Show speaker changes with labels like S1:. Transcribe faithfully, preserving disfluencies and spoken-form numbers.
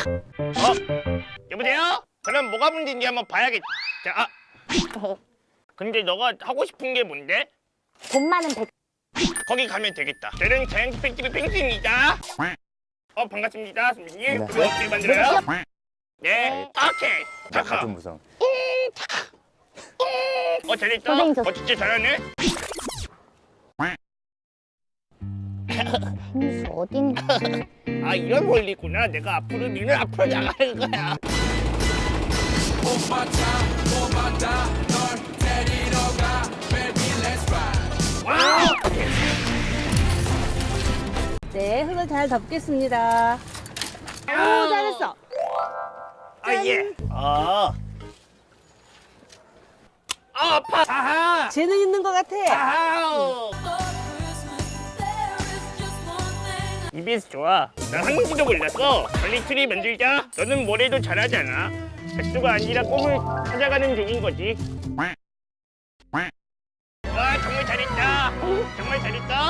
S1: 어? 여보세요? 그럼 뭐가 문제인지 한번 봐야겠다. 자, 아. 근데 너가 하고 싶은 게 뭔데?
S2: 돈 많은 백.
S1: 거기 가면 되겠다. 저는 자연스 팬티비 펭수입니다. 어, 반갑습니다, 선배님.
S3: 네.
S1: 그거 어떻게 만들어요? 네, 오케이.
S3: 나
S1: 잠깐.
S3: 같은 무성.
S1: 어, 잘했다.
S2: 선생님, 저-
S1: 어, 진짜 잘하네.
S2: 펭수 어딘지.
S1: 아, 이런 원리구나. 내가 앞으로 니는 앞으로 나가는 거야. 와우!
S4: 네, 흙을 잘 덮겠습니다. 오, 잘했어.
S1: 아, 예. 아. 아, 아파. 아하.
S4: 재능 있는 것 같아.
S1: 아우. 이비에스 좋아. 난 한국지도 몰랐어. 빨리 트리 만들자. 너는 뭐래도 잘하잖아. 백수가 아니라 꿈을 찾아가는 중인 거지. 와, 정말 잘했다. 정말 잘했다.